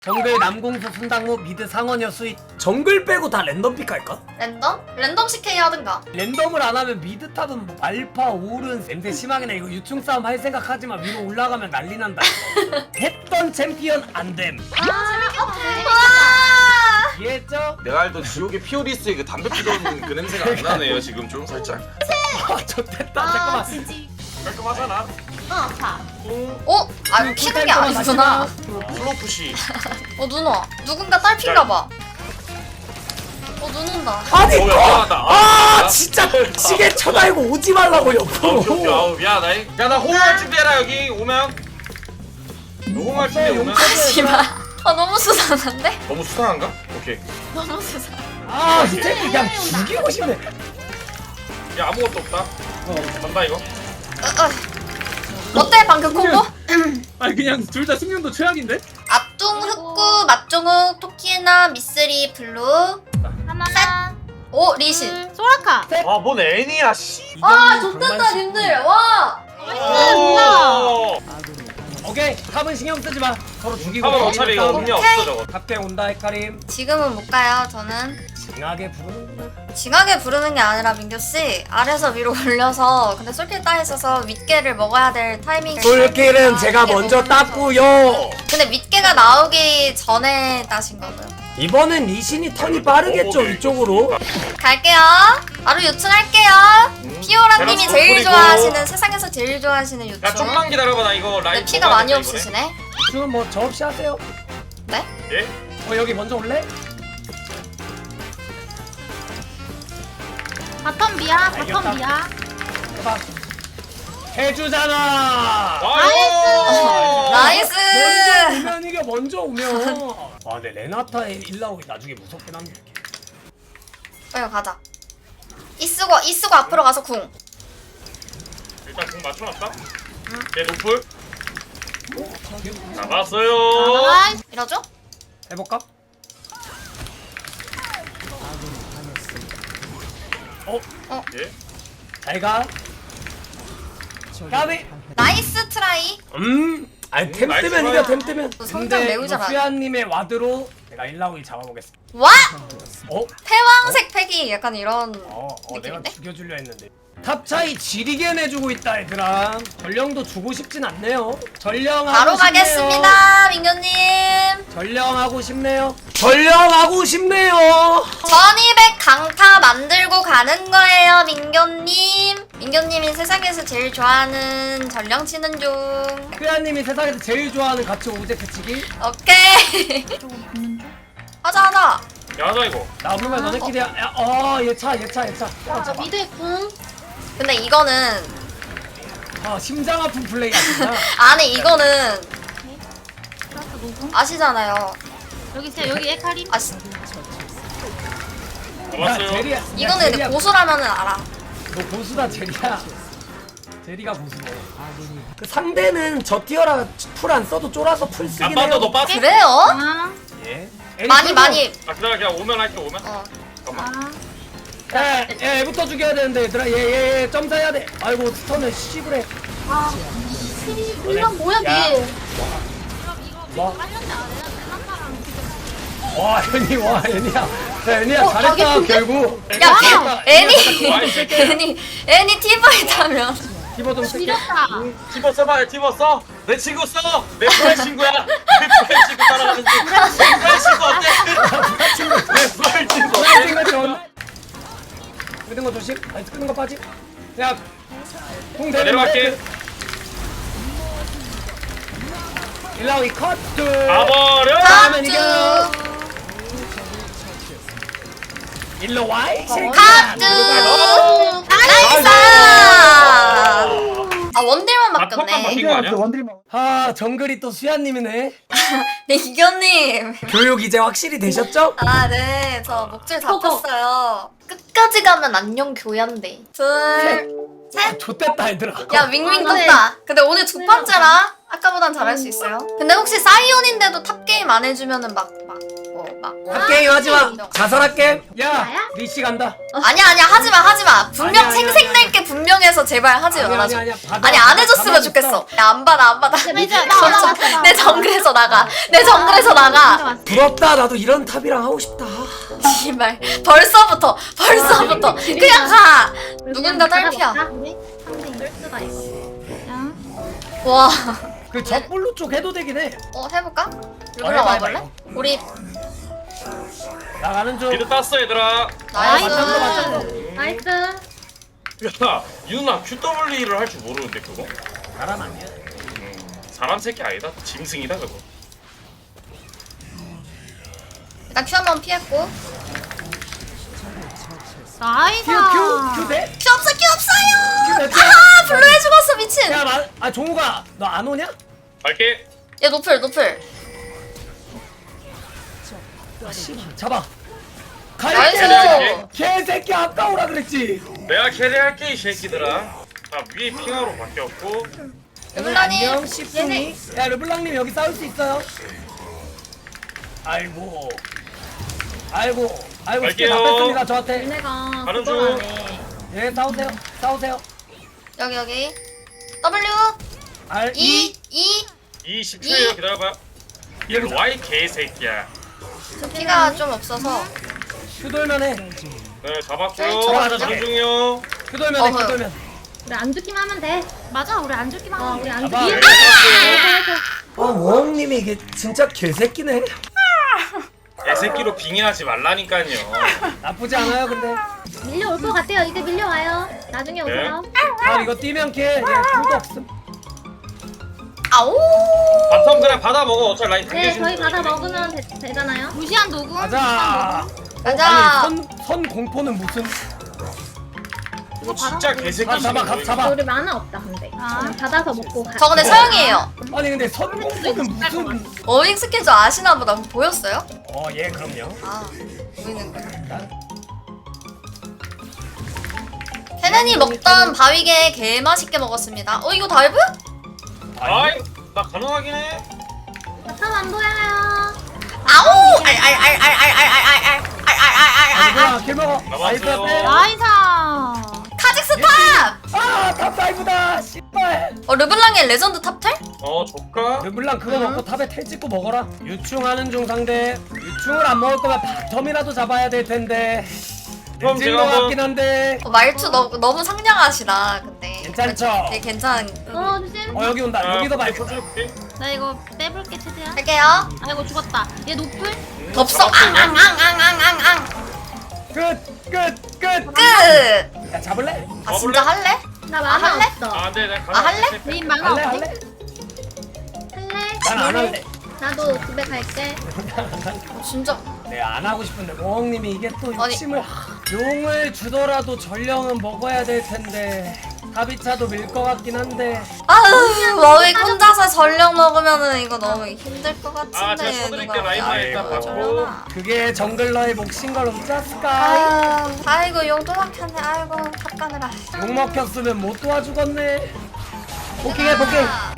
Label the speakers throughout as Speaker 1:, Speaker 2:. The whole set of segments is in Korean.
Speaker 1: 정글 남궁수 순당무 미드 상원여 수익. 정글 빼고 다 랜덤 픽 할까?
Speaker 2: 랜덤? 랜덤 CK 하든가.
Speaker 1: 랜덤을 안 하면 미드 탑은 뭐 알파 오른 냄새 심하게나 이거 유충 싸움 할 생각하지만 위로 올라가면 난리 난다. 했던 챔피언 안됨.
Speaker 2: 와!
Speaker 1: 이해했죠?
Speaker 3: 내가 알던 지옥의 피오리스의 그 담배 피던 그 냄새가 안 나네요 지금 좀 살짝.
Speaker 1: 아 좋댔다. 잠깐만.
Speaker 4: 지지.
Speaker 3: 깔끔하잖아.
Speaker 4: 자.
Speaker 2: 어? 아 이거 키는 게 아니구나.
Speaker 3: 플로푸시.
Speaker 2: 눈 와. 누군가 딸핀가 봐. 눈 온다.
Speaker 1: 아니
Speaker 3: 야, 미안하다.
Speaker 1: 아 진짜 시계 쳐다이고 오지 말라고 옆으로.
Speaker 3: 아우 미안하다. 야나 호응할 준비해라 여기 오면. 너 호응할 준비 오면.
Speaker 2: 씨발. 너무 수상한데?
Speaker 3: 너무 수상한가? 오케이.
Speaker 2: 너무 수상.
Speaker 1: 아 진짜 그냥 죽이고 싶네.
Speaker 3: 야 아무것도 없다. 간다 이거.
Speaker 2: 어때 방금 콤보?
Speaker 5: 아니 그냥 둘 다 숙련도 최악인데?
Speaker 2: 앞둥 흑구, 맞종욱, 토끼나, 미쓰리, 블루.
Speaker 4: 하나.
Speaker 2: 오 리신.
Speaker 4: 소라카.
Speaker 3: 아뭔 애니야 씨.
Speaker 2: 좋댔다 님들. 와.
Speaker 3: 오.
Speaker 1: 오케이 탑은 신경 쓰지 마. 서로 죽이고.
Speaker 3: 탑은 어차피 이거 의미 없어 저거.
Speaker 1: 탑게 온다 헤카림.
Speaker 2: 지금은 못 가요. 저는
Speaker 1: 징하게 부르는구나.
Speaker 2: 징하게 부르는 게 아니라 민규 씨 아래서 위로 올려서 근데 솔킬 따 있어서 윗개를 먹어야 될 타이밍.
Speaker 1: 솔킬은 제가 먼저 땄고요.
Speaker 2: 근데 윗개가 나오기 전에 따신 거고요.
Speaker 1: 이번엔 리신이 턴이 빠르겠죠 이쪽으로.
Speaker 2: 갈게요. 바로 요청할게요. 피오라님이
Speaker 3: 제가
Speaker 2: 제일
Speaker 3: 뿌리고.
Speaker 2: 좋아하시는 세상에서 제일 좋아하시는 요청.
Speaker 3: 야 좀만 기다려봐 나 이거 라인.
Speaker 2: 근데 피가
Speaker 3: 먹어야
Speaker 2: 많이
Speaker 3: 된다,
Speaker 2: 없으시네.
Speaker 1: 지금 뭐 저 없이 하세요.
Speaker 2: 네?
Speaker 3: 이번에. 예?
Speaker 1: 여기 먼저 올래?
Speaker 4: 바텀 비야.
Speaker 1: 알겠다.
Speaker 4: 바텀 비야.
Speaker 1: 해봐. 해주잖아.
Speaker 3: 아이고.
Speaker 2: 나이스.
Speaker 1: 먼저 오면 이게 먼저 오면. 아 근데 레나타의 일라오기 나중에 무섭긴 한데.
Speaker 2: 빨리 가자. 이쓰고 앞으로 가서 궁.
Speaker 3: 일단 공 맞춰놨다. 얘 노플. 잡았어요.
Speaker 4: 나이스.
Speaker 2: 이러죠?
Speaker 1: 해볼까?
Speaker 3: 예?
Speaker 1: 잘가. 가비.
Speaker 2: 나이스 트라이.
Speaker 1: 아니 템
Speaker 3: 나이스
Speaker 1: 뜨면
Speaker 3: 트라이.
Speaker 1: 이겨 템 뜨면.
Speaker 2: 성장 매우 잘하네.
Speaker 1: 수야님의 와드로 내가 일라오기 잡아보겠습니다.
Speaker 2: 와!
Speaker 1: 어?
Speaker 2: 패왕색 팩이 약간 이런
Speaker 1: 내가
Speaker 2: 느낌인데?
Speaker 1: 죽여주려 했는데. 탑 차이 지리게 내주고 있다 얘들아. 전령도 주고 싶진 않네요. 전령하고
Speaker 2: 바로
Speaker 1: 싶네요.
Speaker 2: 가겠습니다, 민규님.
Speaker 1: 전령하고 싶네요. 전령하고 싶네요.
Speaker 2: 1200 강타 만들고 가는 거예요, 민규님. 민규님이 세상에서 제일 좋아하는 전령 치는 중.
Speaker 1: 크야님이 세상에서 제일 좋아하는 가치 오제 패치기.
Speaker 2: 오케이. 하자.
Speaker 3: 야 하자 이거.
Speaker 1: 나 없으면 너네끼리 얘차.
Speaker 4: 자, 미드의 궁.
Speaker 2: 근데 이거는
Speaker 1: 심장 아픈 플레이 아니야.
Speaker 2: 아니 이거는
Speaker 4: 플러스 노궁.
Speaker 2: 아시잖아요.
Speaker 4: 여기 에카림.
Speaker 2: 아시.
Speaker 1: 야
Speaker 3: 잡았어요.
Speaker 1: 제리야.
Speaker 2: 이거는 근데 고수라면은 알아.
Speaker 1: 너 고수다 제리야. 제리가 고수네. 그 상대는 저 티어라 풀 안 써도 쫄아서 풀 쓰긴
Speaker 3: 안 빠져
Speaker 1: 해요.
Speaker 3: 너 빠져.
Speaker 2: 그래요?
Speaker 4: 아.
Speaker 1: 예.
Speaker 2: 많이.
Speaker 3: 아 기다려 그냥 오면 할게 오면.
Speaker 4: 아.
Speaker 1: 얘부터 죽여야 되는데 얘들아 얘 점사해야 돼. 아이고 스턴을 씨부래.
Speaker 4: 아. 이건 뭐야
Speaker 1: 야.
Speaker 4: 얘.
Speaker 1: 뭐?
Speaker 4: 빨렸네. 레나타랑 지금.
Speaker 1: 와 애니 와 애니야. 애니야 잘했다
Speaker 4: 가겠는데?
Speaker 1: 결국.
Speaker 2: 야,
Speaker 1: 잘했다.
Speaker 2: 애니 티바이 타면.
Speaker 1: 티버 좀 쓸게.
Speaker 4: 지렸다.
Speaker 3: 티버 써봐 티버 써. 내 친구 써. 내 프라이 친구야. 내 프라이 친구 따라가는 중. 내 프라이 친구 어때? 내 프라이 친구 어때?
Speaker 1: 생각이 없나? 끄는 거 조심. 아니 끄는 거 빠지. 야, 공 대는
Speaker 3: 내려갈게.
Speaker 1: 일라오이 커트.
Speaker 3: 가버려.
Speaker 1: 다음엔 이겨.
Speaker 2: 갓주.
Speaker 1: 일로 와. 이 새끼야.
Speaker 2: 갓주.
Speaker 3: 어.
Speaker 2: 나이스. 원딜만
Speaker 3: 턱만 바뀐
Speaker 2: 바뀌었네.
Speaker 3: 거 아니야?
Speaker 1: 아 정글이 또 수야님이네.
Speaker 2: 네 이견님.
Speaker 1: 교육 이제 확실히 되셨죠?
Speaker 2: 네. 저 목줄 잡혔어요. 끝까지 가면 안녕 교양대. 둘.
Speaker 1: 아, 좋댔다 얘들아.
Speaker 2: 야 윙윙 떴다. 근데 오늘 두 번째라 아까보단 잘할 수 있어요. 근데 혹시 사이온인데도 탑게임 안 해주면은 뭐 막.
Speaker 1: 핫게임 하지마. 자살할게. 야
Speaker 4: 나야?
Speaker 1: 리씨 간다.
Speaker 2: 아니야 하지마. 분명
Speaker 1: 아니야,
Speaker 2: 생색낼 게 분명해서 제발 하지 말아줘.
Speaker 1: 받아.
Speaker 2: 아니 안 해줬으면 좋겠어. 야 안 받아.
Speaker 4: 이제 나
Speaker 2: 내 정글에서 나가. 내 정글에서 나가.
Speaker 1: 부럽다. 나도 이런 탑이랑 하고 싶다.
Speaker 2: 씨발 벌써부터 그냥 가. 누군가 딸피야.
Speaker 4: 상대 일수가 있어.
Speaker 2: 와.
Speaker 1: 그 적블루 쪽 해도 되긴 해.
Speaker 2: 해볼까? 르블랑
Speaker 1: 해봐,
Speaker 2: 와볼래?
Speaker 1: 해봐.
Speaker 2: 우리
Speaker 1: 나가는 중.
Speaker 3: 미드 땄어 얘들아.
Speaker 2: 나이스.
Speaker 4: 나이스.
Speaker 3: 야 유나 QW를 할 줄 모르는데 그거?
Speaker 1: 사람 아니야.
Speaker 3: 사람 새끼 아니다. 짐승이다 그거.
Speaker 2: 일단 큐 한번 피했고.
Speaker 4: 나이스.
Speaker 1: 큐 돼?
Speaker 2: 큐 없어요.
Speaker 1: 큐 몇 개?
Speaker 2: 아 블루해 죽었어 미친.
Speaker 1: 야, 종우가 너 안 오냐?
Speaker 3: 갈게.
Speaker 2: 얘 노플.
Speaker 1: 잡아.
Speaker 2: 나이스.
Speaker 1: 갈게. 개새끼 아까우라 그랬지.
Speaker 3: 내가 캐리할게 이 새끼들아. 자 위에 핑하로 바뀌었고.
Speaker 2: 르블랑님,
Speaker 1: 안녕 십송이. 야 르블랑님 여기 싸울 수 있어요. 아이고. 쉽게 다
Speaker 3: 갈게요.
Speaker 1: 뺐습니다 저한테.
Speaker 4: 얘네가
Speaker 3: 가는
Speaker 4: 그걸
Speaker 3: 중.
Speaker 4: 안 해.
Speaker 1: 예 싸우세요.
Speaker 2: 여기. W
Speaker 1: R
Speaker 2: E
Speaker 1: E.
Speaker 2: E
Speaker 3: 20초에요 기다려봐. 일로 와이 개새끼야.
Speaker 2: 피가 좀 없어서.
Speaker 1: 큐 돌면 해.
Speaker 3: 네 잡았고요.
Speaker 2: 잡았죠?
Speaker 3: 가는 중이요.
Speaker 1: 큐 돌면 해. 큐
Speaker 2: 어허.
Speaker 1: 돌면.
Speaker 4: 우리 안 죽기만 하면 돼. 맞아, 우리 안 죽기만 하면 우리 안
Speaker 1: 봐봐.
Speaker 4: 죽기.
Speaker 1: 워홍님이 이게 진짜 개새끼네.
Speaker 3: 개새끼로 빙의하지 말라니까요.
Speaker 1: 나쁘지 않아요 근데.
Speaker 4: 밀려올 것 같아요. 이제 밀려와요. 나중에 오세요.
Speaker 1: 아 이거 뛰면 걔 큐도 없음.
Speaker 2: 아오.
Speaker 3: 바텀 그냥 받아 먹어. 어차피 라인
Speaker 4: 네,
Speaker 3: 당겨주는
Speaker 4: 저희 받아
Speaker 3: 거지.
Speaker 4: 먹으면 되잖아요. 무시한 녹음.
Speaker 1: 가자.
Speaker 2: 가자.
Speaker 1: 아니 선 공포는 무슨?
Speaker 3: 이거 진짜 개새끼.
Speaker 1: 잡아.
Speaker 4: 우리 만화 없다 근데. 그냥 받아서 먹고 가.
Speaker 2: 저 근데 서영이에요.
Speaker 1: 아니 근데 선 공포는 무슨?
Speaker 2: 어닝 스케줄 아시나 보다. 보였어요?
Speaker 1: 예 그럼요.
Speaker 2: 아 보이는 거. 케넨이 먹던 바위게 개 맛있게 먹었습니다. 이거 다이브?
Speaker 3: 아이 나 가능하긴 해.
Speaker 4: 바텀 안 보여요.
Speaker 2: 아오!
Speaker 1: 아, 길 먹어. 나이스
Speaker 3: 나왔어요.
Speaker 1: 앞에.
Speaker 4: 나이스.
Speaker 2: 카직스 탑!
Speaker 1: 탑 다이브다. 씨발.
Speaker 2: 르블랑의 레전드 탑텔?
Speaker 3: 조카.
Speaker 1: 르블랑 그거 먹고 탑에 텔 찍고 먹어라. 유충하는 중 상대. 유충을 안 먹을 거면 바텀이라도 잡아야 될 텐데.
Speaker 3: 그럼
Speaker 1: 늦은
Speaker 3: 제가
Speaker 1: 거
Speaker 3: 한번-
Speaker 1: 같긴 한데.
Speaker 2: 말투 너무 상냥하시다 근데.
Speaker 1: 괜찮죠?
Speaker 2: 되게 괜찮.
Speaker 4: 조심.
Speaker 1: 여기 온다. 여기도
Speaker 3: 많이
Speaker 1: 말고.
Speaker 3: 쳐줄게.
Speaker 4: 나 이거 빼볼게 최대한.
Speaker 2: 할게요.
Speaker 4: 아이고 죽었다. 얘 노플?
Speaker 2: 덥석 앙앙앙앙앙앙앙.
Speaker 1: 끝.
Speaker 2: 끝.
Speaker 1: 야 잡을래?
Speaker 2: 아 진짜 할래?
Speaker 4: 나 만화
Speaker 2: 할래?
Speaker 4: 없어.
Speaker 3: 아 네, 네.
Speaker 2: 할래?
Speaker 4: 님 만화
Speaker 1: 할래?
Speaker 4: 없지?
Speaker 1: 할래?
Speaker 4: 할래?
Speaker 1: 난 안 할래.
Speaker 4: 나도 집에 갈게.
Speaker 2: 진짜.
Speaker 1: 내가 안 하고 싶은데 모홍님이 이게 또
Speaker 2: 아니.
Speaker 1: 욕심을. 용을 주더라도 전령은 먹어야 될 텐데. 가비차도 밀 것 같긴 한데.
Speaker 2: 아우 워윅 혼자서 전력 먹으면은 이거 너무 힘들 것 같은데.
Speaker 3: 아, 제가 쳐드릴게. 라인만 일단 받고.
Speaker 2: 저러나.
Speaker 1: 그게 정글러의 몫인 걸 어쩌을까?
Speaker 2: 아이고 용도 막혔네. 아이고 탑가느라.
Speaker 1: 욕 먹혔으면 못 도와주겠네. 복귀해 복귀.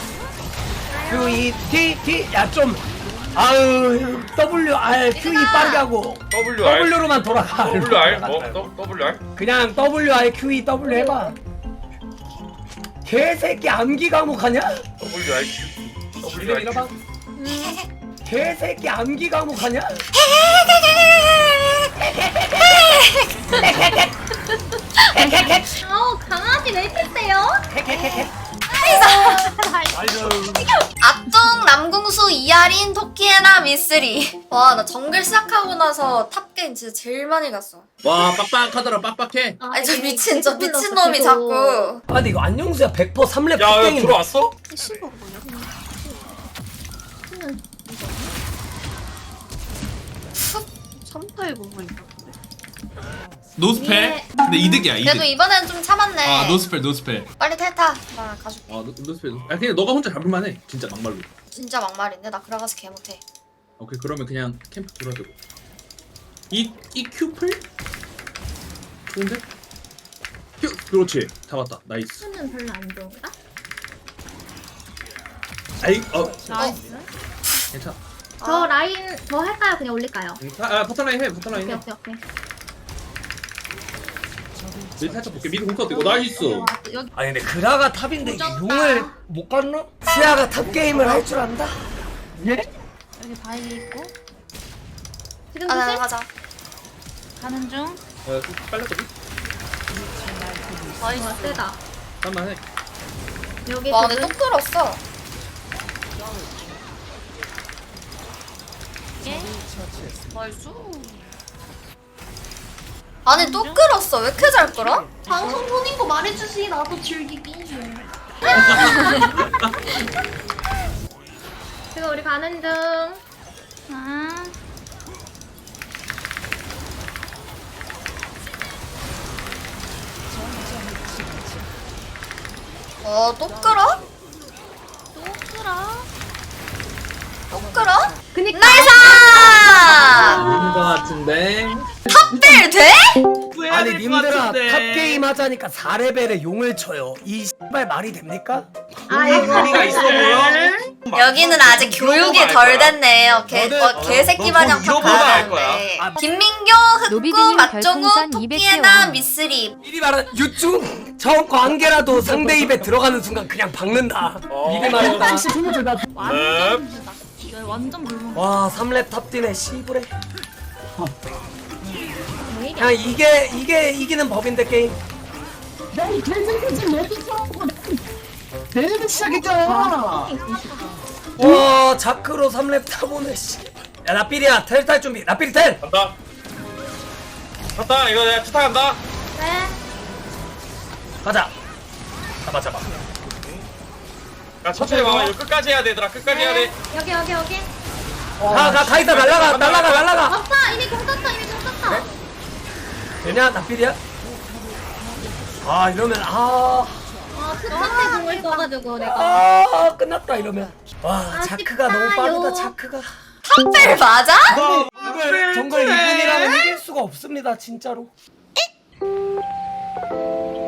Speaker 1: QE 야좀 아유 WR QE 빠르게 하고
Speaker 3: WR.
Speaker 1: W로만 돌아가.
Speaker 3: WR 뭐? WR?
Speaker 1: 그냥 WR QE W 해봐. 개새끼 암기 과목하냐?
Speaker 3: WR.
Speaker 1: 이거 읽어봐. 개새끼 암기 과목하냐?
Speaker 4: 강아지 왜 이렇게 세요?
Speaker 2: 악동 남궁수 이하린 토끼에나 미쓰리. 와 나 정글 시작하고 나서 탑게임 진짜 제일 많이 갔어.
Speaker 5: 와 빡빡하더라 빡빡해.
Speaker 2: 아니 저 미친 놈이 자꾸.
Speaker 1: 아 근데 이거 안녕수야 100% 3렙
Speaker 3: 야, 야
Speaker 1: 땡인데.
Speaker 3: 들어왔어?
Speaker 6: 노스펠?
Speaker 4: 예.
Speaker 6: 근데 이득이야
Speaker 2: 그래도
Speaker 6: 이득.
Speaker 2: 이번엔 좀 참았네.
Speaker 6: 아 노스펠 노스펠.
Speaker 2: 빨리 탈타. 나 가줄게.
Speaker 5: 아 노스펠. 아 그냥 너가 혼자 잡을만해. 진짜 막말로.
Speaker 2: 진짜 막말인데 나 그라가스 개 못해.
Speaker 5: 오케이 그러면 그냥 캠프 돌아주고. 이 큐플? 좋은데? 큐 그렇지 잡았다 나이스.
Speaker 4: 수는 별로 안 좋은가?
Speaker 5: 아이
Speaker 4: 나이스.
Speaker 5: 괜찮아.
Speaker 4: 저 라인 더 할까요? 그냥 올릴까요?
Speaker 5: 버터라인 해. 버터라인
Speaker 4: 오케이
Speaker 5: 해.
Speaker 4: 오케이 오케이.
Speaker 5: 미드 살짝 볼게. 미드 공컷 이거 나이스.
Speaker 4: 여기
Speaker 1: 아니 근데 그라가 탑인데 이게 용을 못 갔나? 시아가 탑 게임을 할 줄 안다? 예?
Speaker 7: 여기 바위 있고
Speaker 4: 지금
Speaker 2: 아
Speaker 4: 조심.
Speaker 2: 가자.
Speaker 7: 가는 중.
Speaker 5: 빨랐거든.
Speaker 2: 나이스.
Speaker 4: 와 세다.
Speaker 5: 잠깐만 해.
Speaker 4: 여기
Speaker 2: 와 근데 또
Speaker 4: 지금
Speaker 2: 끌었어.
Speaker 7: 예.
Speaker 2: 나이스. 아니 또 끌었어. 왜 이렇게 잘 끌어?
Speaker 4: 방송 보는 거 말해주시. 나도 즐기기. 지금 우리 가는 중.
Speaker 7: 아.
Speaker 2: 또 끌어?
Speaker 7: 또 끌어.
Speaker 2: 또 끌어?
Speaker 4: 그니까.
Speaker 2: 나이스!
Speaker 5: 있는 거 같은데.
Speaker 2: 탑벨 돼?
Speaker 1: 아니 님들아 탑 게임 하자니까 4레벨에 용을 쳐요. 이 씨발 말이 됩니까?
Speaker 4: 아이고.
Speaker 3: 의미가 있어 보여?
Speaker 2: 여기는 아직 교육이 덜 됐네요.
Speaker 1: 너는-
Speaker 2: 개새끼
Speaker 3: 너
Speaker 2: 마냥 탑
Speaker 3: 이러고도
Speaker 2: 가야
Speaker 3: 알 거야.
Speaker 2: 하는데.
Speaker 1: 아,
Speaker 2: 김민교, 흑구,
Speaker 8: 노비드님
Speaker 2: 맛종우,
Speaker 8: 별풍선
Speaker 2: 토끼에나,
Speaker 8: 200개
Speaker 2: 미쓰리.
Speaker 1: 미리 말하는 유충 처음 거 한 개라도 상대 입에 들어가는 순간 그냥 박는다. 미리 말했다.
Speaker 3: 네.
Speaker 7: 이거 완전 물먹.
Speaker 1: 와 3렙 탑 뛰네 씨부레. 그냥 이게 이기는 법인데 게임. 와 자크로 3렙 타보네 씨. 야 나필이야 텔 탈 준비. 나필이 텔.
Speaker 3: 간다. 갔다. 이거 내가 투타 간다.
Speaker 4: 네.
Speaker 1: 가자. 잡아.
Speaker 3: 야 천천히 와. 이거 끝까지 해야 돼, 얘들아. 끝까지 해야 돼.
Speaker 4: 여기 여기 여기.
Speaker 1: 가이다 날라가.
Speaker 4: 없다. 이미 공 썼어. 이미 공 썼어.
Speaker 1: 되냐 나필이야? 아 이러면
Speaker 4: 끝까지 공을 써가지고 내가.
Speaker 1: 끝났다 이러면. 와
Speaker 4: 아쉽다,
Speaker 1: 자크가 너무 빠르다
Speaker 4: 요.
Speaker 1: 자크가.
Speaker 2: 탑벨 맞아?
Speaker 1: 정글 2분이라면 이길 수가 없습니다 진짜로.